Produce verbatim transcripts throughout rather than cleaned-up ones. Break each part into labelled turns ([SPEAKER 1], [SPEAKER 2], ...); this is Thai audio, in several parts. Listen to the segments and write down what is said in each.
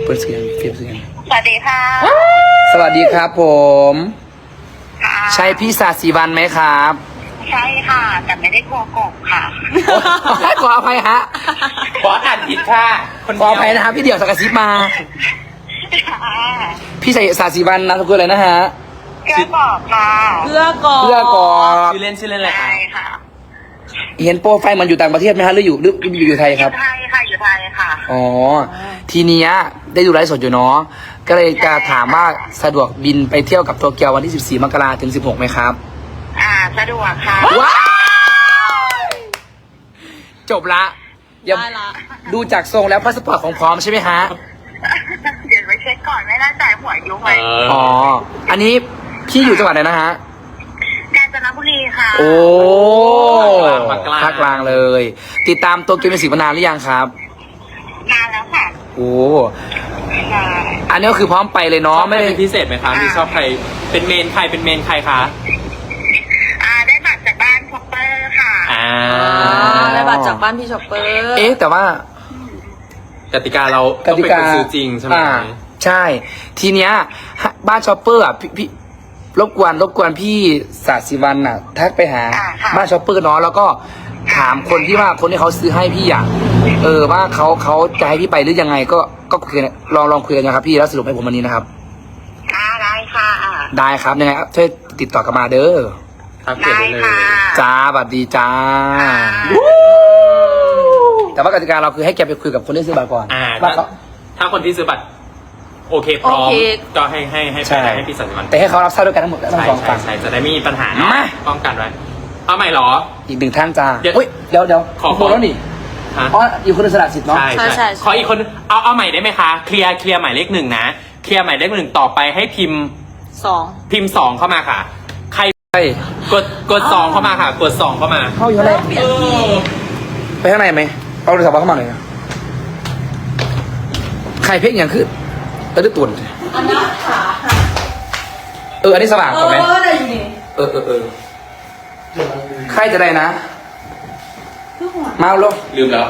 [SPEAKER 1] เปิดเสียงเปิดเสียง
[SPEAKER 2] สวัสดีค่ะ
[SPEAKER 1] สวัสดีครับผม
[SPEAKER 2] ค่ะ
[SPEAKER 1] ใช่พี่ศาสีวันไหมครับ
[SPEAKER 2] ใช่ค่ะ แต่ไม่ได้กลัวกบค่ะ
[SPEAKER 1] ขออภัยฮะ
[SPEAKER 3] ขออ่านผิดค่ะคน
[SPEAKER 1] ขออภัยนะครับพี่เดี่ยวสักกระซิบมา
[SPEAKER 2] ค่ะ
[SPEAKER 1] พี่ใส่ศาสีวันนามสกุลอะไรนะฮะ
[SPEAKER 2] เกลือบอกค่ะ
[SPEAKER 4] เพื่อกอ
[SPEAKER 1] เพื่อกอ
[SPEAKER 3] ชื่อเล่นชื่อเล่นอะไรคะ
[SPEAKER 2] ใช่ค่ะ
[SPEAKER 1] เห็นโปรไฟล์มันอยู่ต่างประเทศไหมฮะหรืออยู่หรืออยู่อยู่ไทย
[SPEAKER 2] อ
[SPEAKER 1] ครับ
[SPEAKER 2] ยู่ไทยค่ะอยู่ไทยค่ะ
[SPEAKER 1] อ๋อ ทีเนี้ยได้ดูไลฟ์สดอยู่เนาะ ก็เลยจะถามว่าสะดวกบินไปเที่ยวกับโตเกียววันที่ สิบสี่ มกราถึง สิบหกไหมครับ
[SPEAKER 2] อ่าสะดวกค่ะ
[SPEAKER 1] ว้าวจบละอย่า
[SPEAKER 4] ได้ละ
[SPEAKER 1] ดูจากทรงแล้วพาสปอร์ตของพร้อมใช่ไหมฮะ
[SPEAKER 2] เดี๋ยวไปเช็คก่อนไม่แน่ใจหัวยุไหม
[SPEAKER 3] เออ
[SPEAKER 1] อ๋อ อันนี้พี่อยู่จังหวัดไหนนะฮะ
[SPEAKER 2] กาญจนบุรีค่ะ
[SPEAKER 1] โอ้
[SPEAKER 3] ภาคกลาง
[SPEAKER 1] ภาคกลางเลย ติดตามโตเกียวมิวสิกมานานหรือยังครับ
[SPEAKER 2] นานแล้วค่ะ
[SPEAKER 1] โอ้
[SPEAKER 2] ใช่
[SPEAKER 1] อันนี้ก็คือพร้อมไปเลย
[SPEAKER 3] ช
[SPEAKER 1] เนาะ
[SPEAKER 3] อบใคร
[SPEAKER 1] ไม่ได้
[SPEAKER 3] เป็นพิเศษไหมคะมีชอบใครเป็นเมนใครเป็นเมนใครคะ
[SPEAKER 2] อ่าได้บัตรจากบ้านช็อปเปอร์ค่ะ
[SPEAKER 3] อ่า
[SPEAKER 4] อ่าได้บัตรจากบ้านพี่ช็อปเปอร์
[SPEAKER 1] เอ๊ะแต่ว่า
[SPEAKER 3] กติกาเรา
[SPEAKER 1] ก
[SPEAKER 3] ต้อง
[SPEAKER 1] ติ
[SPEAKER 3] เป็น
[SPEAKER 1] กา
[SPEAKER 3] คนซื้อจริงใช่ไหม
[SPEAKER 1] อ่าใช่ ทีเนี้ยบ้านช็อปเปอร์อ่ะพี่พี่รบกวนรบกวนพี่ศาสิวันอ่ะทักไปหา
[SPEAKER 2] อ่าค่ะ
[SPEAKER 1] บ้านช็อปเปอร์เนาะแล้วก็ถามคนที่ว่าคนที่เขาซื้อให้พี่อ่ะเออว่าเขาเขาจะให้พี่ไปหรือยังไง ก็ก็คุยกันลองลองคุยกันนะครับพี่แล้วสรุปให้ผมวันนี้นะครับ
[SPEAKER 2] อ่าได้ค่ะ
[SPEAKER 1] ได้ครับยังไงช่วยติดต่อกลับมาเด้อ
[SPEAKER 3] ครับเก็บ
[SPEAKER 2] ได้
[SPEAKER 3] ไว้เลย
[SPEAKER 2] ค่ะ
[SPEAKER 1] จ้าบัดดีจ้า แต่ว่ากติกาเราคือให้แกไปคุยกับคนที่ซื้อบัตรก่อน
[SPEAKER 3] อ่า
[SPEAKER 1] ว่า
[SPEAKER 3] ถ้า
[SPEAKER 1] เขา
[SPEAKER 3] ถ้าคนที่ซื้อบัตรโอเคพร้อมก็ให้ให้ให้
[SPEAKER 1] ใช่
[SPEAKER 3] ไปให้พี่สันติวัน
[SPEAKER 1] แต่ให้เขารับทราบด้วยกันทั้งหมดทั้ง
[SPEAKER 3] ใช่
[SPEAKER 1] สอง
[SPEAKER 3] ใช่
[SPEAKER 1] ฝั่ง
[SPEAKER 3] ใช่จะได้ไม่มีปัญหาเนาะ
[SPEAKER 1] มา
[SPEAKER 3] ป้องกันไว้เอาใหม่เหรอ
[SPEAKER 1] อีกหนึ่งท่านจ้า
[SPEAKER 3] เดี๋ยว
[SPEAKER 1] เฮ้ยเดี๋ยวเดี๋ยว
[SPEAKER 3] ขอ
[SPEAKER 1] โมแล้วนี่
[SPEAKER 3] ฮะ
[SPEAKER 1] อ๋ออยู่คนละสละสิทธิ์เนาะ
[SPEAKER 3] ใช่ใช่ขออีกคนเอาเอาใหม่ได้ไหมคะเคลียร์เคลียร์หมายเลขหนึ่งนะเคลียร์หมายเลขหนึ่งต่อไปให้พิมพ์
[SPEAKER 4] สอง
[SPEAKER 3] พิมพ์สองเข้ามาค่ะ ใคร
[SPEAKER 1] ใช่
[SPEAKER 3] กดกดสองเข้ามาค่ะ กดสองเข้ามา
[SPEAKER 1] เข้าอยู่ข้างใน
[SPEAKER 4] เปลี่ยนที่
[SPEAKER 1] ไปข้างในไหมเอาโทรศัพท์เข้ามาหน่อยนะใครเพ่งอย่างขึ้นตะลึกตุ่น
[SPEAKER 4] อันนั้นขาค่ะ
[SPEAKER 1] เอออันนี้สว่าง
[SPEAKER 4] เอก
[SPEAKER 1] ว่าไหม
[SPEAKER 4] อได้อยู่นี่
[SPEAKER 1] เออเออเออใครจะได้นะ
[SPEAKER 4] คือหัว
[SPEAKER 1] มาเอาลง
[SPEAKER 3] ลืมแล้ว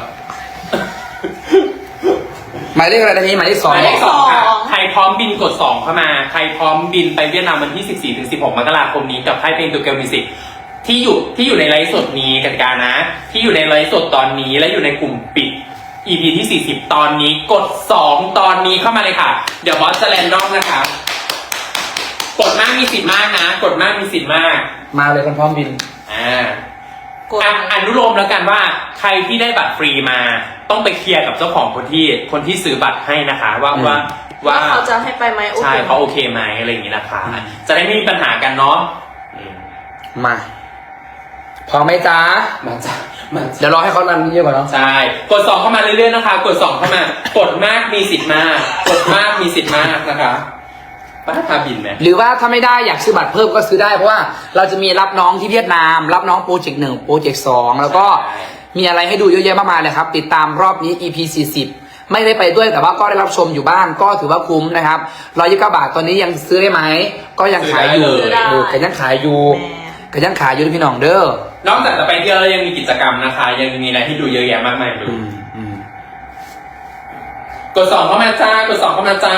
[SPEAKER 1] หมายเลขอะไรนะพี่หมายเลขสอง
[SPEAKER 3] หมายเลขสองค่ะ
[SPEAKER 4] สอง
[SPEAKER 3] ใครพร้อมบินกดสองเข้ามา ใครพร้อมบินไปเวียดนามวันที่สิบสี่ถึงสิบหกมกราคมนี้กับค่ายเพลงตัวเกลมิวสิกที่อยู่ที่อยู่ในไลฟ์สดนี้กติกานะ ที่อยู่ในไลฟ์สดตอนนี้และอยู่ในกลุ่มปิด อี พี ที่สี่สิบตอนนี้กดสองตอนนี้เข้ามาเลยค่ะ เดี๋ยวบอสจะแรนดอมนะคะกดมากมีสิทธิ์มากนะ กดมากมีสิทธิ์มาก
[SPEAKER 1] มาเลยคนพร้อมบิน
[SPEAKER 3] อ่า
[SPEAKER 4] กด
[SPEAKER 3] อ่ะอนุโลมแล้วกันว่าใครที่ได้บัตรฟรีมา ต้องไปเคลียร์กับเจ้าของคนที่คนที่ซื้อบัตรให้นะคะ ว่า
[SPEAKER 1] อืม
[SPEAKER 3] ว่า
[SPEAKER 4] ว่า
[SPEAKER 3] ว่า
[SPEAKER 4] เขาจะให้ไปไหมโอเค
[SPEAKER 3] ใช่เขาโอเคไหมอะไรอย่างนี้นะคะ จะได้ไม่มีปัญหากันเนาะอืม
[SPEAKER 1] มาพร้อมไหมจ้า
[SPEAKER 3] มาจ้ะมาจ้ะ
[SPEAKER 1] เดี๋ยวรอให้เขารันเยอะกว่าเนาะ
[SPEAKER 3] ใช่กดสองเข้ามาเรื่อยๆนะคะ กดสองเข้ามากดมากมีสิทธิ์มากกดมากมีสิทธิ์มากนะคะป้าพาบินไหม
[SPEAKER 1] หรือว่าถ้าไม่ได้อยากซื้อบัตรเพิ่มก็ซื้อได้เพราะว่าเราจะมีรับน้องที่เวียดนาม รับน้องโปรเจกต์หนึ่งโปรเจกต์สองแล้วก็มีอะไรให้ดูเยอะแยะมากมายเลยครับ ติดตามรอบนี้ อี พี สี่สิบไม่ได้ไปด้วยแต่ว่าก็ได้รับชมอยู่บ้านก็ถือว่าคุ้มนะครับร้อยยี่สิบเก้าบาทตอนนี้ยังซื้อได้ไหมก็ยังขายอยู่
[SPEAKER 3] ซื้อได้เลย
[SPEAKER 1] เออก็ยังขายอยู่
[SPEAKER 4] แม่
[SPEAKER 1] ก็ยังขายอยู่พี่น้องเด้อน
[SPEAKER 3] อกจากจะไปเที่ยวแล้วยังมีกิจกรรมนะคะ ยังมีอะไรให้ดูเยอะแยะมากมายเลย
[SPEAKER 1] อืมอืม
[SPEAKER 3] กดสองเข้ามาจ้ากดสองเข้ามาจ้า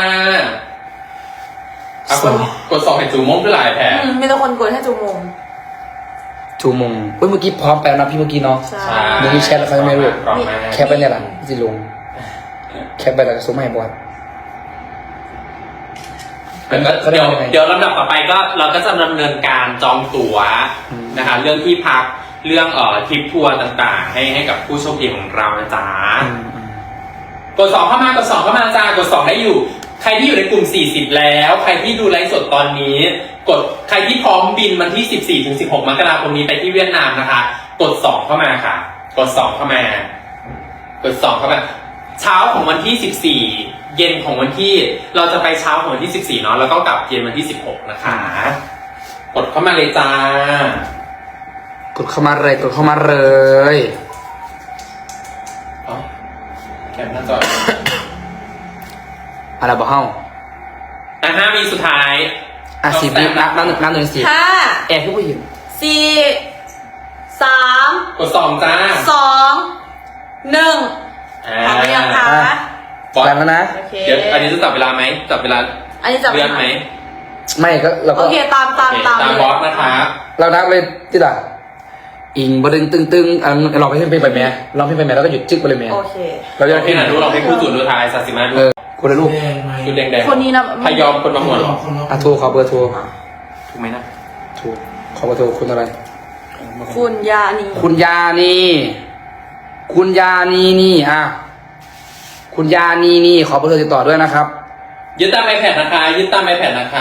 [SPEAKER 3] อ่ะกดกดสองให้จูมงด้วยหลายแผล
[SPEAKER 4] อืมมีแต่คนกดให้จูมง
[SPEAKER 1] ชูมงเฮ้ยเมื่อกี้พร้อมไปแล้วนะพี่เมื่อกี้เนาะ
[SPEAKER 4] ใช่
[SPEAKER 3] ใช่
[SPEAKER 1] เดี๋ยวมีแชทแล้วเขาจะไม่รู้
[SPEAKER 3] พร้อมมาก
[SPEAKER 1] แคปไปเนี่ยแหละสิลงแคปไปแล้วก็ส่งมาให้บอส
[SPEAKER 3] แต่ก็
[SPEAKER 1] เขาเรีย
[SPEAKER 3] เดี๋
[SPEAKER 1] ก
[SPEAKER 3] ยว
[SPEAKER 1] ว่ายังไง
[SPEAKER 3] เดี๋ยวลำดับต่อไปก็เราก็จะดำเนินการจองตั๋ว
[SPEAKER 1] อืม
[SPEAKER 3] นะคะ เรื่องที่พักเรื่องเอ่อทริปทัวร์ต่างๆ ให้ให้กับผู้โชคดีของเรานะจ๊ะ
[SPEAKER 1] อืมอืม
[SPEAKER 3] กดสองเข้ามากดสองเข้ามาจ้ากดสองได้อยู่ ใครที่อยู่ในกลุ่มสี่สิบแล้ว ใครที่ดูไลฟ์สดตอนนี้ กดใครที่พร้อมบินวันที่สิบสี่ถึงสิบหกมกราคมนี้ไปที่เวียดนามนะคะ กดสองเข้ามาค่ะ กดสองเข้ามา กดสองเข้ามาเช้าของวันที่สิบสี่เย็นของวันที่เราจะไปเช้าของวันที่สิบสี่เนาะแล้วก็กลับเย็นวันที่สิบหกนะคะ กดเข้ามาเลยจ้าก
[SPEAKER 1] ดเข้ามาเลยกดเข้ามาเลย
[SPEAKER 3] เอ้าแคปหน้าจอ
[SPEAKER 1] อะไรบอกเฮ้า
[SPEAKER 3] อ่ะห้าวิสุดท้าย
[SPEAKER 1] อ่ะสิบวินับนับหนึ่งนับหนึ่งสิบ
[SPEAKER 4] ห้า
[SPEAKER 1] แอบพี่ผู้หญิง
[SPEAKER 4] สี่สาม
[SPEAKER 3] กดสองจ้า
[SPEAKER 4] สองหนึ่ง
[SPEAKER 3] อ่า
[SPEAKER 4] พร้อมหรือยังคะ
[SPEAKER 3] บอส
[SPEAKER 1] แรงแล้วนะ
[SPEAKER 4] โอเค
[SPEAKER 3] เดี๋ยวอันนี้จะจับเวลาไหมจับเวลา
[SPEAKER 4] อันนี้จับ
[SPEAKER 3] เลื่อนไหม
[SPEAKER 1] ไม่ก็เราก็
[SPEAKER 4] โอเคตามตาม
[SPEAKER 3] โอเค
[SPEAKER 4] ตาม
[SPEAKER 3] ตาม
[SPEAKER 4] เลย
[SPEAKER 3] บอสนะคะ
[SPEAKER 1] เรานับเลยที่ละอิงบดึงตึงตึงอันเราไปเพลงไปแม่ร้องเพลงไปแม่แล้วก็หยุดจึ๊กไปเลยแม่
[SPEAKER 4] โอเค
[SPEAKER 1] เราจะ
[SPEAKER 3] เราพี่หนาดูเราให้คู่จุดดูทายศาสิมาดู
[SPEAKER 1] เออคนละลูก
[SPEAKER 5] แดงไหม
[SPEAKER 3] ชุดแดงๆ
[SPEAKER 4] คนนี้นะ
[SPEAKER 3] พยอมคนบางหัวเหรอ
[SPEAKER 5] คนละ
[SPEAKER 1] อ่ะโทรขอเบอร์โทร
[SPEAKER 3] ถูกไหมนะ
[SPEAKER 1] โทรขอเบอร์โทรคุณอะไร
[SPEAKER 4] คุณยานี
[SPEAKER 1] คุณยานีคุณยานีนี่อ่ะคุณยานีนี่ขอเบอร์โทรติดต่อด้วยนะครับ
[SPEAKER 3] ยึดตามไอแพดนะคะยึดตามไอแพดนะคะ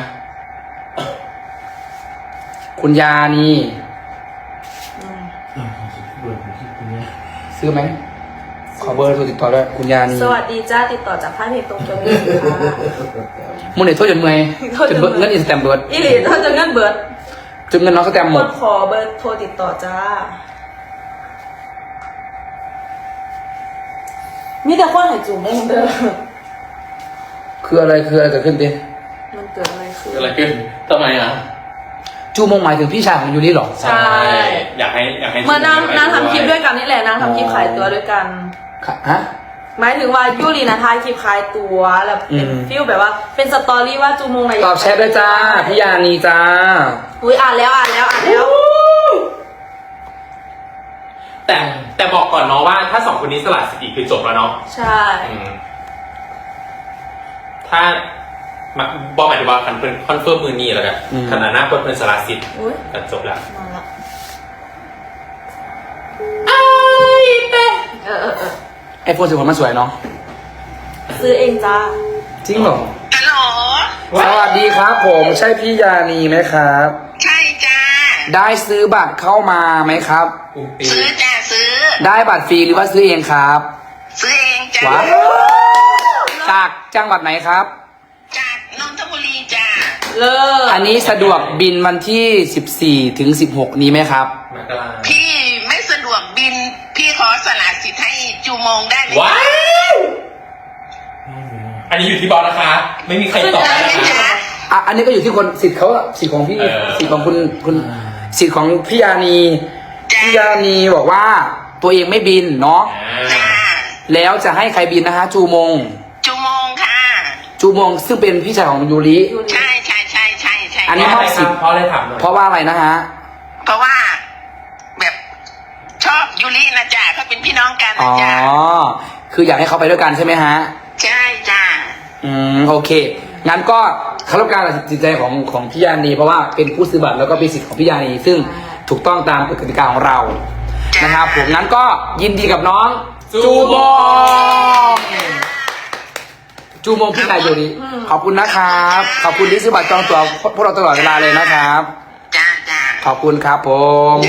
[SPEAKER 1] คุณยานี
[SPEAKER 4] อืม
[SPEAKER 5] อ่าของสุดเบิร์ดของที่คุณเนี่ย
[SPEAKER 1] ซื้อไหมขอเบอร์โทรติดต่อด้วยคุณยานี
[SPEAKER 4] สวัสดีจ้าติดต่อจากค่ายเพลงตรงจนเงินค่ะ
[SPEAKER 1] มึงเนี่ยโทษจนเมื่อย
[SPEAKER 4] โทษ
[SPEAKER 1] จ
[SPEAKER 4] จ
[SPEAKER 1] น
[SPEAKER 4] น
[SPEAKER 1] เบิ
[SPEAKER 4] เมื่
[SPEAKER 1] ด
[SPEAKER 4] อย
[SPEAKER 1] เงินอินสแตมเบิร์ด
[SPEAKER 4] อีหลีถ้าจะเงินเบิร์ด
[SPEAKER 1] จนเงินน้องสแตมห
[SPEAKER 4] ค
[SPEAKER 1] มด
[SPEAKER 4] นขอเบอร์โทรติดต่อจ้า มีแต่คนใหายจุ่มงเด้อ
[SPEAKER 1] คืออะไรคืออะไรเกิดขึ้นดิ
[SPEAKER 4] มันเกิดอะไรขึ้น
[SPEAKER 3] เกิดอะไรขึ้นทำไมอ่ะ
[SPEAKER 1] จูมงหมายถึงพี่ชายของยูริเหรอ
[SPEAKER 4] ใช่
[SPEAKER 3] อยากให้อยากให้
[SPEAKER 4] เมื่อนางนางทำคลิปด้วยกันนี่แหละนางทำคลิปขายตัวด้วยกัน
[SPEAKER 1] ค่ะฮะ
[SPEAKER 4] หมายถึงว่ายูรีนะทายคลิปขายตัวแล้วเป็น
[SPEAKER 1] อืม
[SPEAKER 4] ฟิลแบบว่าเป็นสตอรี่ว่าจูมงอะไร
[SPEAKER 1] ตอบแชทด้วยจ้าพี่ยานีจ้า
[SPEAKER 4] อุ้ยอ่านแล้วอ่านแล้วอ่านแล้ว
[SPEAKER 3] แต่แต่บอกก่อนเนาะว่าถ้าสองคนนี้สลัดสิทธิ์คือจบแล้วเนาะ
[SPEAKER 4] ใช่
[SPEAKER 3] อืมถ้ามาบอกหมายถึงว่าคันเป็นคอนเฟิร์มมือนี่แล้วกันขนาดหน้าคนเป็นสลัดสิทธิ์
[SPEAKER 4] อุ้ย
[SPEAKER 3] ก็จบแล้ว
[SPEAKER 4] มาละ
[SPEAKER 3] ไอ้เป้
[SPEAKER 4] เออเออเออ
[SPEAKER 1] ไอโฟนสิบหกมันสวยเนาะ
[SPEAKER 4] ซื้อเองจ้า
[SPEAKER 1] จริงเหรอ
[SPEAKER 2] ฮัลโหล
[SPEAKER 1] สวัสดีครับผมใช่พี่ยานีไหมครับ
[SPEAKER 2] ใช่จ้า
[SPEAKER 1] ได้ซื้อบัตรเข้ามาไหมครับ
[SPEAKER 3] ปุ่มปี
[SPEAKER 2] ซื้อจ้าซื้อ
[SPEAKER 1] ได้บัตรฟรีหรือว่าซื้อเองครับ
[SPEAKER 2] ซื้อเองจ้า
[SPEAKER 1] ว้าวจากจังหวัดไหนครับ
[SPEAKER 2] จากนนทบุรีจ้า
[SPEAKER 4] เลิศ
[SPEAKER 1] อันนี้สะดวกบินวันที่สิบสี่ถึงสิบหกนี้ไหมครับ
[SPEAKER 3] มกรา
[SPEAKER 2] พี่ไม่สะดวกบิน พี่ขอสละสิทธิ์ให้จูมงได้ไหม
[SPEAKER 3] ว้าว
[SPEAKER 5] ไม่มีอ่ะ
[SPEAKER 3] อันนี้อยู่ที่บอสนะคะ ไม่มีใครตอบ
[SPEAKER 2] ได้
[SPEAKER 3] ได้
[SPEAKER 2] ไหม
[SPEAKER 3] นะคะ
[SPEAKER 2] จ๊ะ
[SPEAKER 1] อ่ะอันนี้ก็อยู่ที่คนสิทธิ์เขาอะสิทธิ์ของพี่
[SPEAKER 3] เออ
[SPEAKER 1] สิทธิ์ของคุณคุณสิทธิ์ของพี่ยานี
[SPEAKER 2] จ้า
[SPEAKER 1] พี่ยานีบอกว่าตัวเองไม่บินเนาะ
[SPEAKER 2] จ้า
[SPEAKER 1] แล้วจะให้ใครบินนะฮะจูมง
[SPEAKER 2] จูมงค่ะ
[SPEAKER 1] จูมงซึ่งเป็นพี่ชายของยูริ
[SPEAKER 4] ยูรี
[SPEAKER 2] ใช่ใช่ใช่ใช่ใช่
[SPEAKER 1] อันนี้
[SPEAKER 3] เพราะอะไรครับเพราะอะไรถามหน่อย
[SPEAKER 1] เพราะว่าอะไรนะฮะ
[SPEAKER 2] เพราะว่า แบบชอบยูรินะจ้าเขาเป็นพี่น้องกัน
[SPEAKER 1] อ๋
[SPEAKER 2] นะ
[SPEAKER 1] อ
[SPEAKER 2] จ้า
[SPEAKER 1] คืออยากให้เขาไปด้วยกันใช่ไหมฮะ
[SPEAKER 2] ใช่จ้า
[SPEAKER 1] อืมโอเคงั้นก็เคารพการตัดสินใจของของพี่ยานีเพราะว่าเป็นผู้ซื้อบัตรแล้วก็เป็นสิทธิ์ของพี่ยานีซึ่งถูกต้องตามกติกาของเรานะครับผมงั้นก็ยินดีกับน้องจูมงจูมงพี่ชายยูริขอบคุณนะครับขอบคุณที่ซื้อบัตรจองตั๋วพวกเราตลอดเวลาเลยนะครับ
[SPEAKER 2] จ้าจ้า
[SPEAKER 1] ขอบคุณครับผม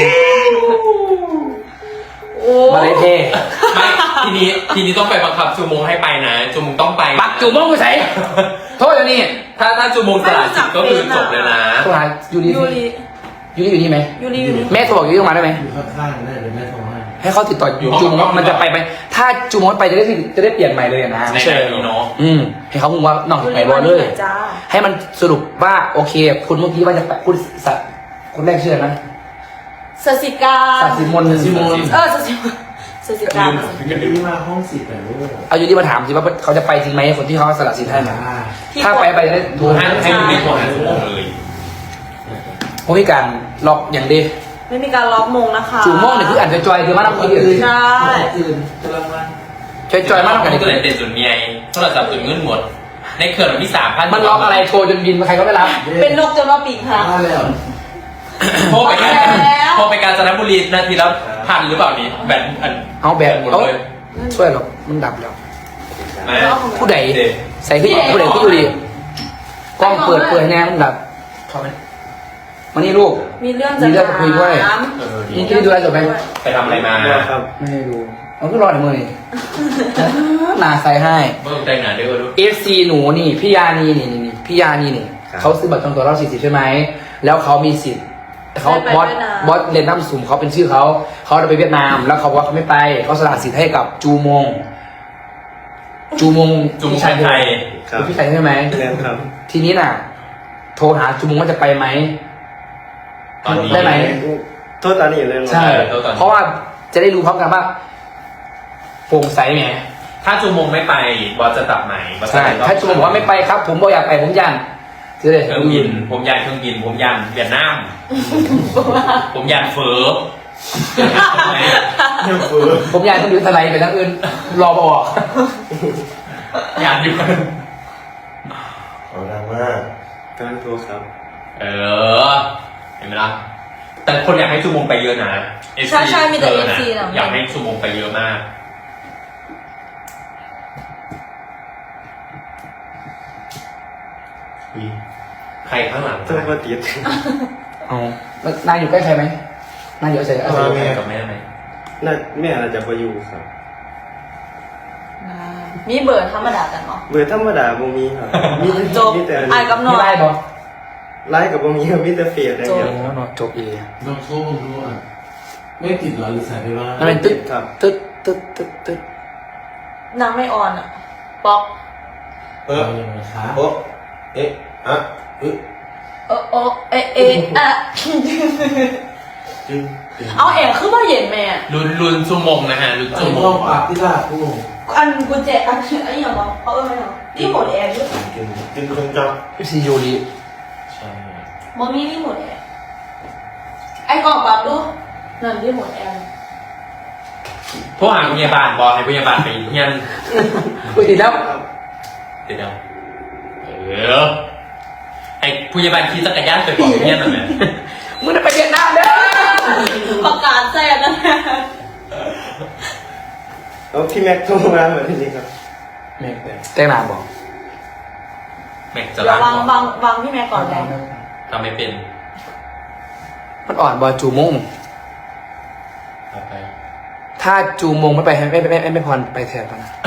[SPEAKER 4] โอ้
[SPEAKER 1] มาเลยเท
[SPEAKER 3] ไม่ทีนี้ทีนี้ต้องไปบังคับจูมงให้ไปนะจูมงต้องไปนะ
[SPEAKER 1] ปักจูมงไปใส่โทษเดี๋ยวนี้
[SPEAKER 3] ถ้าถ้าจูมงสละสิทธิ์ก็คือจบเลยนะ
[SPEAKER 1] โทรหายูริ
[SPEAKER 4] ยูรี
[SPEAKER 1] ยูริอยู่นี่ไหม
[SPEAKER 4] ยูรีอยู่นี่
[SPEAKER 1] แม่โทรบอกยูริมาได้ไหม
[SPEAKER 5] อยู่ข้างๆได้เดี๋ยวแม่โทรให้
[SPEAKER 1] ให้เขาติดต่ออยู่จูมงมันจะไปไหมถ้าจูมงไปจะได้จะได้เปลี่ยนใหม่เลยนะ
[SPEAKER 3] ในแบบนี้เนาะ
[SPEAKER 1] อืมให้เขาคงว่าน้อง
[SPEAKER 4] ยู
[SPEAKER 1] ไป
[SPEAKER 4] รี
[SPEAKER 1] บอลเลย
[SPEAKER 4] มาจ้า
[SPEAKER 1] ให้มันสรุปว่าโอเค คุณเมื่อกี้ว่าจะไปคุณสัตว์คนแรกชื่ออะไรนะ
[SPEAKER 4] สสิกา
[SPEAKER 1] สัตว์สิมน
[SPEAKER 5] สิมน
[SPEAKER 4] เออสสิสสิกา
[SPEAKER 5] ที่มาห้องสิบแต่ลูก
[SPEAKER 1] เอายูริมาถามสิว่าเขาจะไปจริงไหมคนที่เขาสละสิทธิ์ให้มา
[SPEAKER 5] อ่า
[SPEAKER 1] ถ้าไปไปจะได้
[SPEAKER 3] ดูให้ให้ดูในโทรหาจูมงเลย
[SPEAKER 1] เพราะมีการล็อกอย่างเดี
[SPEAKER 4] ไม่มีการล็อกมงนะคะ
[SPEAKER 1] จูมงเนี่ยคืออ่านจอยๆคือมานั่งคุยกัน
[SPEAKER 4] ใช่
[SPEAKER 5] อื่นกำลังมา
[SPEAKER 1] จอยๆมานั่งกัน
[SPEAKER 3] ก็เลยเต็มจุดเมียโทรศัพท์จุดเงินหมด ในเครื่องที่สามพัน
[SPEAKER 1] มันล็อกอะไรโทรจนบินใครก็ไม่รับ
[SPEAKER 4] เป็นนกจนว่าปีกหัก
[SPEAKER 5] มาแล้ว
[SPEAKER 3] โทรไปการ
[SPEAKER 4] แล้ว
[SPEAKER 3] โทรไปการจันทบุรีนาทีละพันหรือเปล่านี้แบตอัน
[SPEAKER 1] เอาแบบ
[SPEAKER 3] หมด
[SPEAKER 1] เอา
[SPEAKER 3] เลย
[SPEAKER 1] ช่วยหรอกมันดับแล้ว
[SPEAKER 3] นะ
[SPEAKER 1] ผู้ใดใส่ขึ้นผู้ใดขึ้นอยู่ดีกล้องเปิดเปิดแน่มันดับเข้าไปมานี่ลูก
[SPEAKER 4] มีเรื่องจะ
[SPEAKER 1] มีเรื่องจะคุยด้วย
[SPEAKER 4] ถาม
[SPEAKER 3] เออดี
[SPEAKER 1] นี่ที่ดูแลจบไหม
[SPEAKER 3] ไปทำอะไรมา
[SPEAKER 5] ครับ
[SPEAKER 1] ไม่ให้ดูเอาก็รอในมือนี่หนาใส่ให้
[SPEAKER 3] เบิ่งใจหนาเด้อลูก
[SPEAKER 1] เอฟซีหนูนี่พี่ยานีนี่นี่นี่พี่ยานีนี่เขาซื้อบัตรจองตัวรอบสี่สิบใช่ไหมแล้วเขามีสิทธิ์เขาบอสบอสเรนดัมสุ่มเขาเป็นชื่อเขาเขาจะไปเวียดนาม แล้วเขาบอกว่าเขาไม่ไปเขาสละสิทธิ์ให้กับจูมง จูมง
[SPEAKER 3] จุมชายไทย
[SPEAKER 1] เป็นพี่ชายใช่ไหม
[SPEAKER 5] แรงครับ
[SPEAKER 1] ทีนี้น่ะ โทรหาจูมงว่าจะไปไหม
[SPEAKER 3] ตอนนี้
[SPEAKER 1] ได้ไหม
[SPEAKER 5] โทษตานี่เลย
[SPEAKER 1] ใช่ เพราะว่าจะได้รู้พร้อมกันว่าโปร่งใสไหม
[SPEAKER 3] ถ้าจูมงไม่ไปบอสจะตัดไหมบอสจะ
[SPEAKER 1] ใช่
[SPEAKER 3] ไปรอบ
[SPEAKER 1] ถ้าจูมงบอกว่าไม่ไปครับ ผมบอกอยากไปผมยันจะได้
[SPEAKER 3] เครื่องบิน ผมยันเครื่องบิน ผมยันเวียดนาม ผมยันเฟอ
[SPEAKER 5] ยังเฟื่อ
[SPEAKER 1] ผมยันต้องอยู่ทะเลไปทั้งอื่นรอมาออก
[SPEAKER 3] ยันอยู่
[SPEAKER 5] เอาดังมากกำลังโทรครับ
[SPEAKER 3] เออ เห็นไหมล่ะ แต่คนอยากให้จูมงไปเยอะนะ เอฟซี
[SPEAKER 4] ใช่ใช่มีแต่
[SPEAKER 3] ธ
[SPEAKER 4] เอ
[SPEAKER 3] อ
[SPEAKER 4] ฟ
[SPEAKER 3] นะ
[SPEAKER 4] ซีนะ
[SPEAKER 3] อยากให้จูมงไปเยอะมาก ใครข้างหลัง
[SPEAKER 5] ต้องมาติด
[SPEAKER 1] เอาแล้วนายอยู่ใกล้ใครไหมนายอยู่ใกล้ใคร
[SPEAKER 3] เอา
[SPEAKER 1] เอา
[SPEAKER 3] ใครกับแม่ไหม
[SPEAKER 5] น่าแม่อาจจะไปอยู่ครับ
[SPEAKER 4] มีเบอร์ธรรมดากันเนาะ
[SPEAKER 5] เบอร์ธรรมดาบ่มีครับมี
[SPEAKER 4] จบ
[SPEAKER 5] มีแต่
[SPEAKER 4] ไอ้ายกับน้
[SPEAKER 1] มี
[SPEAKER 4] อง
[SPEAKER 1] ไล่บอ
[SPEAKER 5] ไลฟ์กับบ่มีครับมีแต่เฟซอย่าง
[SPEAKER 1] โอ้
[SPEAKER 5] เดียว
[SPEAKER 1] โหนอนจบเอง
[SPEAKER 6] น้องโชครู้อ่ะไม่ติดเหรอหรือสายไปบ้าง
[SPEAKER 1] มันเป็นตึ๊ดตึ๊ดตึ๊ดตึ๊ดตึ๊ด
[SPEAKER 4] นางไม่ออนอ่ะป๊อก
[SPEAKER 6] เออยังไงคะ
[SPEAKER 5] โอ้เอ๊ะอะ
[SPEAKER 6] เอ๊ะ
[SPEAKER 4] เออโอเอะเอะอะ
[SPEAKER 5] จึงจึง
[SPEAKER 4] เอาแอบขึ้นมาเย็นแม่
[SPEAKER 3] ลุนลุนจูมงนะฮะลุน
[SPEAKER 6] ไอ้
[SPEAKER 3] จูม
[SPEAKER 6] ห้อง งอาบที่ลาดกู
[SPEAKER 4] อันกุญแจอันไอ้อย่างวะเขาเอ้ยเหรอรีโมทแอร์ด้วย
[SPEAKER 5] จึงจึงจึงจับ
[SPEAKER 1] พี่ซียูรี
[SPEAKER 3] ใช่
[SPEAKER 4] บอมีรีโมทแอร์ไอ้กล่องปรับดูนั่นรีโมทแอร์
[SPEAKER 3] โทรหาพยาบาลบอกให้พยาบาลไปเฮียน
[SPEAKER 1] คุยติดแล้ว
[SPEAKER 3] เดี๋ยวเออไอ้พยาบาลขี่จักรยานไปบอกเฮียนหน่อยไหม
[SPEAKER 1] มึงได้ไปเวียดนามเด้อ
[SPEAKER 4] ประกาศแจ้งนะ
[SPEAKER 5] แล้วพี่แม็กโทรมาเหมือนนี้ครับ
[SPEAKER 6] แม่งแต่
[SPEAKER 1] แจ้งนามบอก
[SPEAKER 3] แม่งจะ
[SPEAKER 4] เดี๋ย
[SPEAKER 3] ล้าว ง
[SPEAKER 4] วางวางวางพี่แม่ก่อนเลย
[SPEAKER 3] ทำไม่เป็น
[SPEAKER 1] มันอ่อนบอจูมง
[SPEAKER 3] เอาไป
[SPEAKER 1] ถ้าจูมงไม่ไปไม่ไม่ไม่ไม่ไม่พรไปแทนปะนะ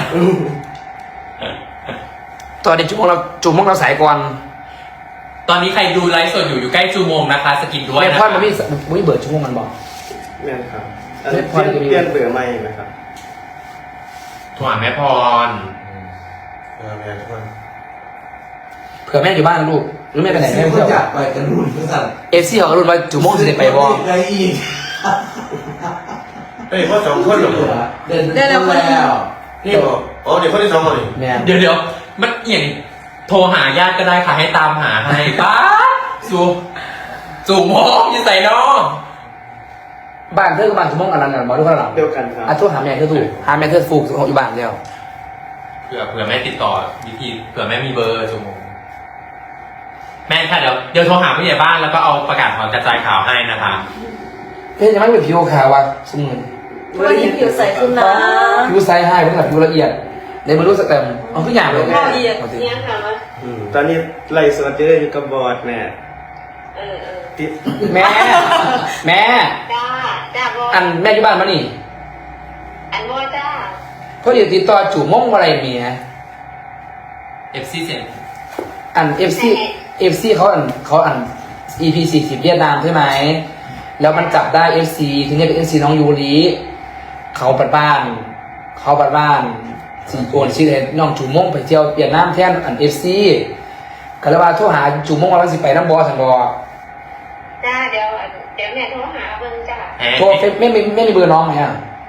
[SPEAKER 1] ตอนนี้จูมงเราจูมงเราสายก่อน
[SPEAKER 3] ตอนนี้ใครดูไลฟ์สดอยู่อยู่ใกล้จูมงนะคะ สกินด้วย
[SPEAKER 1] ไม่
[SPEAKER 3] นะ
[SPEAKER 1] พร
[SPEAKER 3] คะ
[SPEAKER 1] มันไม่ไม่เบิร์ดจูมงมันบอก
[SPEAKER 5] แม่นครับอัน
[SPEAKER 1] แม่
[SPEAKER 5] นี้
[SPEAKER 1] พ
[SPEAKER 5] เป
[SPEAKER 1] ร
[SPEAKER 5] ลี่ยน
[SPEAKER 1] จะมี
[SPEAKER 5] เปลี่ยนเบอร์ใหม่ไหมครับ
[SPEAKER 3] โทรหาแม่พร
[SPEAKER 5] เออแม่ทุกคน
[SPEAKER 1] เผื่อแม่อยู่บ้านนะลูกหรือแม่ไปไหนแม่
[SPEAKER 6] ไม่
[SPEAKER 1] เที่ยว
[SPEAKER 6] อยากไปกันรุ่นก็สั่น
[SPEAKER 1] เอฟซีเขาก็รุ่นว่าจูมงจะได้ไปบอ
[SPEAKER 6] ไอ้อีก
[SPEAKER 5] เฮ้ยพ่อสองคนเหรอ
[SPEAKER 6] เดินได้แล้วแล้ว
[SPEAKER 5] นี่บอกอ๋อเดี๋ยวคนที่สองคนนี่
[SPEAKER 1] แม่
[SPEAKER 3] เดี๋ยวเดี๋ยวมันเอียงโทรหาญาติก็ได้ค่ะให้ตามหาให้ป้าสูจูมงอยู่ใส่น้อง
[SPEAKER 1] บ้านเธอกับบ้านจูมงอันนั้นน่ะบอกทุกคนหลัง
[SPEAKER 5] เดียวกันครับ
[SPEAKER 1] อ่ะโทษหาแม่เธอถูกหาแม่เธอฟูกอยู่บ้านเดียว
[SPEAKER 3] เผื่อเผื่อแม่ติดต่อวิธีเผื่อแม่มีเบอร์จูมงแม่ค่ะเดี๋ยวเดี๋ยวโทรหาผู้ใหญ่บ้านแล้วก็เอาประกาศข่าวกระจายข่าวให้นะคะ
[SPEAKER 1] เพื่อนยังไม่เป็นผิวขาวว่ะสมุน
[SPEAKER 4] วันนี้ผิวใสขึ้นนะ
[SPEAKER 1] ผิวไซส์ให้เพื่อนแบบผิวละเอียดในมือรู้สึกแต่เอาทุกอย่างเลย
[SPEAKER 4] ละเอียด
[SPEAKER 1] เอาสิ
[SPEAKER 4] เนี่ยค่ะวะ
[SPEAKER 5] อืมตอนนี้ไล่สดเจออยู่กับบอร์ดแม่
[SPEAKER 4] เออเออ
[SPEAKER 5] ติด
[SPEAKER 1] แม่ แม่
[SPEAKER 2] จ้าจ้าบอ
[SPEAKER 1] อันแม่อยู่บ้านมานี่
[SPEAKER 2] อันบอจ้า
[SPEAKER 1] เพราะเดี๋ยวติดต่อจู่ม่งอะไรเมีย
[SPEAKER 3] เอฟซีเซ็น
[SPEAKER 1] อันเอฟซีเอฟซีเขาอันเขาอัน อี พี สี่สิบเวียดนามใช่ไหมแล้วมันจับได้เอฟซีทีนี้เป็นเอฟซีน้องยูริเขาปัดบ้าน เขาปัดบ้านสีโอนชื่อเห็นน้องจู่ม่งไปเที่ยวเวียดนามแทนอันเอฟซีก็เลยว่าโทรหาจู่ม่งว่าสิไปน้ำบอสันบอ
[SPEAKER 2] จ้าเดี๋ยวเดี๋ยวแม่โทรหาเบิ่งจ้า
[SPEAKER 1] โทรไม่ไม่ไม่มีเบอร์น้องไหมอ่ะ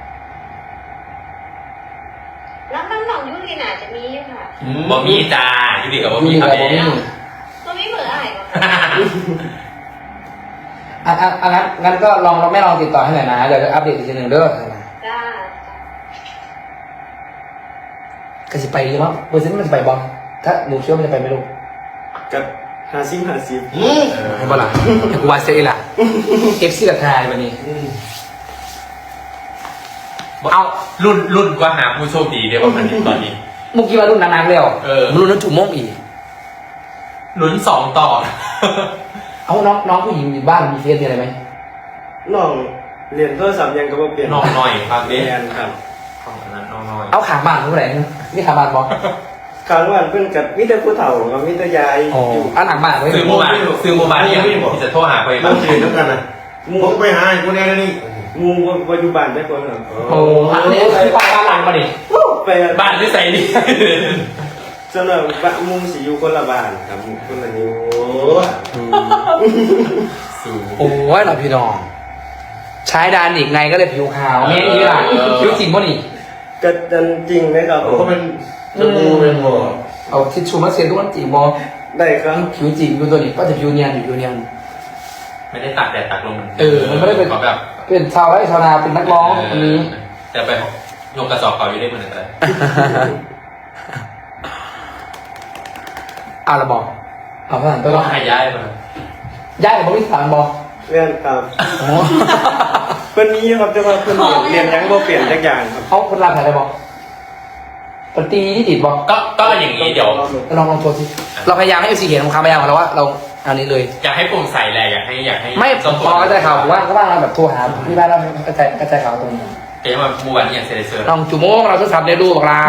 [SPEAKER 2] แล้วน้องน้องยุรีน่าจะมีอยู่ค่ะ
[SPEAKER 3] บอมี่จ้าอยู่ดีกับบอ
[SPEAKER 1] ยู
[SPEAKER 3] มี่
[SPEAKER 1] ริ
[SPEAKER 3] ครั
[SPEAKER 1] กั
[SPEAKER 3] บบ
[SPEAKER 1] ผมนี่
[SPEAKER 2] ตัวมีเบอร์อะไรบ้าง
[SPEAKER 1] อ่ะอ่ะอ่ะงั้นงั้นก็ลองเราไม่ลองติดต่อให้หน่อยนะเดี๋ยวจะอัปเดตอีกทีหนึ่งเด้อ
[SPEAKER 2] จ้า
[SPEAKER 1] ก็สิไปหรือมั้งเปอร์เซ็นต์มันจะไปบอลถ้าหนูเชื่อมันจะไปไม่รู้
[SPEAKER 5] กับห้าสิบห้าสิบ
[SPEAKER 1] ให้บอลล่ะให้กูวาเซ่ล่ะเอฟซีกับทายวันนี้
[SPEAKER 3] เอารุ่นรุ่นก็หาผู้โชคดีได้ประมาณนี้ตอนนี้
[SPEAKER 1] เมื่อกี้ว่ารุ่นนานๆแล้ว
[SPEAKER 3] เออ
[SPEAKER 1] มันรุ่นนั้นจุ่มโม่งอีก
[SPEAKER 3] ลุ้นสองต่อ
[SPEAKER 1] เอาน้องน้องผู้หญิงอยู่บ้านมีเฟซมีอะไรไหม
[SPEAKER 5] น้องเรียนโทรศัพท์ยังก็บ่เปลี่ยน
[SPEAKER 3] น้องหน่อยครับ
[SPEAKER 5] เรี
[SPEAKER 3] เด็
[SPEAKER 5] ยนครับ
[SPEAKER 3] ของอันนั้นน้องหน่อย
[SPEAKER 1] เอาขาบ้านเท่าไหร่นี่ขาบ้านบอล
[SPEAKER 5] ครั้งวันเพิ่นกับมิตรผู้เฒ่ากับมิตรยาย
[SPEAKER 1] อ๋อ
[SPEAKER 5] อยู่
[SPEAKER 1] อันหลังบ้านไว้
[SPEAKER 3] ซื้อโมบายซื้อโมบายที่ยังที่จะโทรหาไป
[SPEAKER 7] มั
[SPEAKER 3] บ้าน ง
[SPEAKER 7] เรียนด้วยกันนะผมไปหาไอ้คนนี้แล้วนี่
[SPEAKER 5] หมูบ่บ่อยู่บ้านได้คนเหรอ
[SPEAKER 1] โอ้อันนี้คือบ้านบ้านหลังมาดิ
[SPEAKER 5] ไป
[SPEAKER 3] บ้านที่ใส่นี่
[SPEAKER 5] สำหรับบ้านหมุงสิอยู่คนละบ้านครับคนละนิ้ว
[SPEAKER 3] สู
[SPEAKER 1] โอ้ยเราพี่น้องใช้ดานอีกไงก็เลยผิวขาวเมียนี่ล่ะผิวจริงป่ะนี่
[SPEAKER 5] ก็จันจริงไหมครับ
[SPEAKER 7] เขาก็เป็นจมูกเป็นบ่
[SPEAKER 1] เอาทิชชู่มาเซ็นทุกวันจีบอ
[SPEAKER 5] ได้ครับ
[SPEAKER 1] ผิวจีบอยู่ตัวนี้ก็จะผิวเนียนอยู่ผิวเนียน
[SPEAKER 3] ไม่ได้ตากแดดตากลม
[SPEAKER 1] เออมันไม่ได้เป็น
[SPEAKER 3] เขาแบบ
[SPEAKER 1] เป็นชาวไร่ชาวนาเป็นนักร้องคนนี้
[SPEAKER 3] แต่ไปยกกระสอบเก่าอยู่ได้เหมือนกันเลย
[SPEAKER 1] อ่ะเราบอกเอาผ่านไป
[SPEAKER 3] ก็
[SPEAKER 1] ว่า
[SPEAKER 3] หายย้ายมา
[SPEAKER 1] ย้ายกับบริษัทบอก
[SPEAKER 5] เรียนครับ
[SPEAKER 1] อ๋อ
[SPEAKER 5] เพิ่นนี้ครับจะมาเพิ่นเรียนเรียนยังบ่เปลี่ยนจักอย่างครับ
[SPEAKER 1] เขาคนลาถ่ายอะไรบอกปตีที่ติดบอก
[SPEAKER 3] ก็ก็อย่างนี้เดี๋ยว
[SPEAKER 1] ลองลองโทรสิเราพยายามให้เอฟซีเห็นของคำพยายามของเราว่าเราอันนี้เลย
[SPEAKER 3] อยากให้โปร่งใสแหละอยากให้อยากให้
[SPEAKER 1] ไม่
[SPEAKER 3] เจ้า
[SPEAKER 1] พอกระจายข่าวผมว่าก็ว่าเราแบบโทรหาที่บ้านเรากระจายกระจายข่าวตรงนี้
[SPEAKER 3] เกมมาเมื่อวานนี้อย่างเซเลเซอร์
[SPEAKER 1] ลองจุโมงเราทดสอบได้ดูบอกลา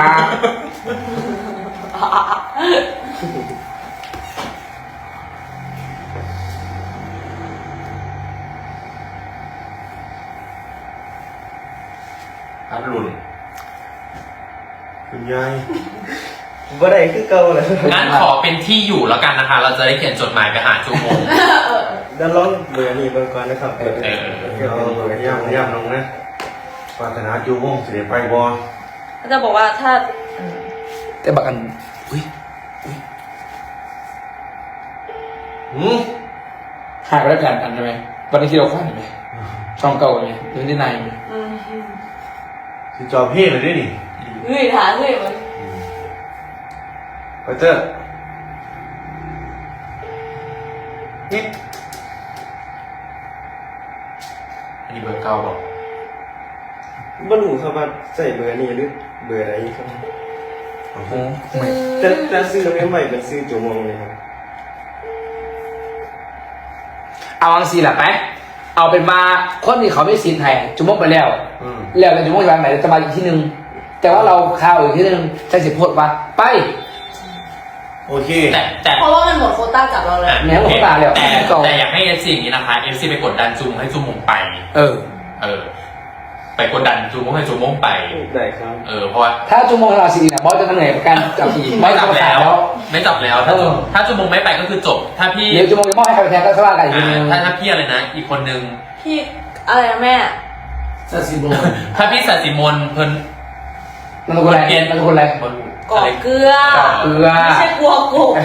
[SPEAKER 3] อัดรุน
[SPEAKER 7] คุณยาย
[SPEAKER 5] บ่ได้คือเก่าเลย
[SPEAKER 3] งั้นขอเป็นที่อยู่แล้วกันนะคะ เราจะได้เขียนจดหมายไปหาจูโมง
[SPEAKER 5] เดี๋ยวลองเบอร์นี้เบิ่งก่อนนะครับ
[SPEAKER 3] เออเออ
[SPEAKER 7] เอาเบอร์ย่ำย่ำลงนะปรารถนาจูวงสิได้ไปบ่
[SPEAKER 4] เขาจะบอกว่าถ้าอืม
[SPEAKER 1] แต่บักอันอุ้ย
[SPEAKER 7] หืม
[SPEAKER 1] หายไปแล้วแผ่นอันใช่ไหมวันนี้ที่เราคว้าเห็นไหมช่องเก่าไงเรื่องที่ในมัน
[SPEAKER 4] อืม
[SPEAKER 7] สิจอบเพ่เลยด้วยนี่
[SPEAKER 4] เฮ้ยถามเฮ้ยมัน
[SPEAKER 7] ไปเจอนี่
[SPEAKER 3] อันนี้เบอร์เก้าบอก
[SPEAKER 5] บ่รู้ครับว่าใส่เบอร์นี้หรือเบอร์อะไรครับ
[SPEAKER 1] โอ้โหไม่
[SPEAKER 5] แต่แต่ซื้อไม่ไหวเป็นซื้อจุมงเลยครับ
[SPEAKER 1] เอาอังซีแหละไปเอาเป็นมาคนที่เขาไม่ซีนไทยจุโมงไปแล้ว
[SPEAKER 7] อืม
[SPEAKER 1] แล้วแต่จุโมงจะมาไหนจะมาอีกที่หนึ่งแต่ว่าเราข่าวอีกที่หนึ่งใช้สิบโพดว่าไป
[SPEAKER 7] โอเค
[SPEAKER 3] แต่แต่
[SPEAKER 4] เพราะว่ามันหมดโควต้ากับเราแล้ว
[SPEAKER 1] แหมผมก็ตายแล้ว
[SPEAKER 3] แต่
[SPEAKER 1] ต่อ
[SPEAKER 3] แต่อยากให้เอฟซีอย่างนี้นะคะเอฟซีไปกดดันจูโมงให้จูโมงไป
[SPEAKER 1] เออ
[SPEAKER 3] เออ ไปกดดันจูโมงให้จูโมงไป
[SPEAKER 5] ได้ครับ
[SPEAKER 3] เออเพราะว่า
[SPEAKER 1] ถ้าจุโมงเราซีนเนี่ยบอสจะเหนื่อยกับการจับอีก
[SPEAKER 3] ไม่จับ
[SPEAKER 1] จะ
[SPEAKER 3] แล้ว
[SPEAKER 1] แล้ว
[SPEAKER 3] ไม่จับแล้วถ้า
[SPEAKER 1] เออ
[SPEAKER 3] ถ้าจูโมงไม่ไปก็คือจบ ถ้าพี่
[SPEAKER 1] เดี๋ยวจุโมงจะมอบให้ใครไปแทนก็ว่ากันอีกที
[SPEAKER 3] อ่า
[SPEAKER 1] นึง
[SPEAKER 3] ถ้าถ้าพี่อะไรนะ อีกคนนึง
[SPEAKER 4] พี่อะไรนะแม่
[SPEAKER 6] ซาซิโบ
[SPEAKER 3] ถ้าพี่สัตย์สิมนเพิ่น
[SPEAKER 1] มันเป็นคนอะไร
[SPEAKER 3] เปลี่ยน
[SPEAKER 1] มันเป็นคนอะไร
[SPEAKER 3] คน
[SPEAKER 4] กอกเกลือ
[SPEAKER 1] กอกเกลือ
[SPEAKER 4] ไม่ใช่กลัวกบ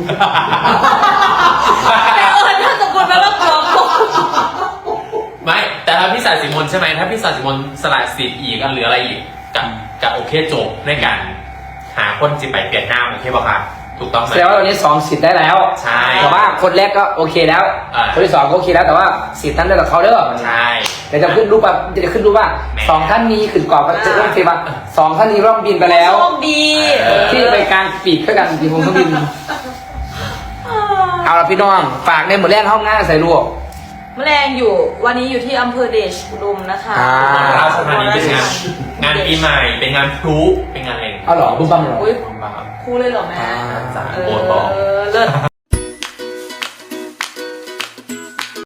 [SPEAKER 4] แต่เออถ้าสมมติว่าเรากลัวกบ
[SPEAKER 3] ไม่ แต่ถ้าพี่สัตย์สิมนใช่ไหมถ้าพี่สัตย์สิมนสละสิทธิ์อีกอันเหลืออะไรอีกกับกับโอเคจบในการหาคนจิไปเปลี่ยนหน้าโอเคป่ะครับถูกต้องไหม
[SPEAKER 1] แสดงว่าตอนนี้สองสิทธิ์ได้แล้ว
[SPEAKER 3] ใช่
[SPEAKER 1] แต่ว่าคนแรกก็โอเคแล้ว
[SPEAKER 3] อ่า
[SPEAKER 1] คนที่สองก็โอเคแล้วแต่ว่าสิทธิ์นั้นได้กับเขาเด้อ
[SPEAKER 3] ใช่
[SPEAKER 1] เดี๋ยวจะขึ้นรูปว่าจะขึ้นรูปว่า
[SPEAKER 3] แหม
[SPEAKER 1] สองท่านนี้ขึ้นกรอบก็จะต้องเซว่าสองท่านนี้ร่องบินไปแล้ว
[SPEAKER 4] โชคดี
[SPEAKER 3] เออ
[SPEAKER 1] ที่ไปกลางปีกเพื่อกันปีกผมเครื่องบิน เอาละพี่น้องฝากในหมดแรกห้องหน้าใส่ลวก
[SPEAKER 4] แมลงอยู่วันนี้อยู่ที่อำเภอเดชอุดมนะคะ
[SPEAKER 1] อ่า
[SPEAKER 3] ราชธานีเป็นงานงานปีใหม่เป็นงานพลุเป็นงานอะไรอย่างเงี้ย
[SPEAKER 1] เอาเหรอบุ้มบัมเหรอ
[SPEAKER 4] อุ้ย
[SPEAKER 3] บ้าง
[SPEAKER 4] คู่เลยเหรอแม่
[SPEAKER 1] อ่า
[SPEAKER 3] จ้า
[SPEAKER 4] เอ
[SPEAKER 3] โบนบอก
[SPEAKER 4] อเลิศ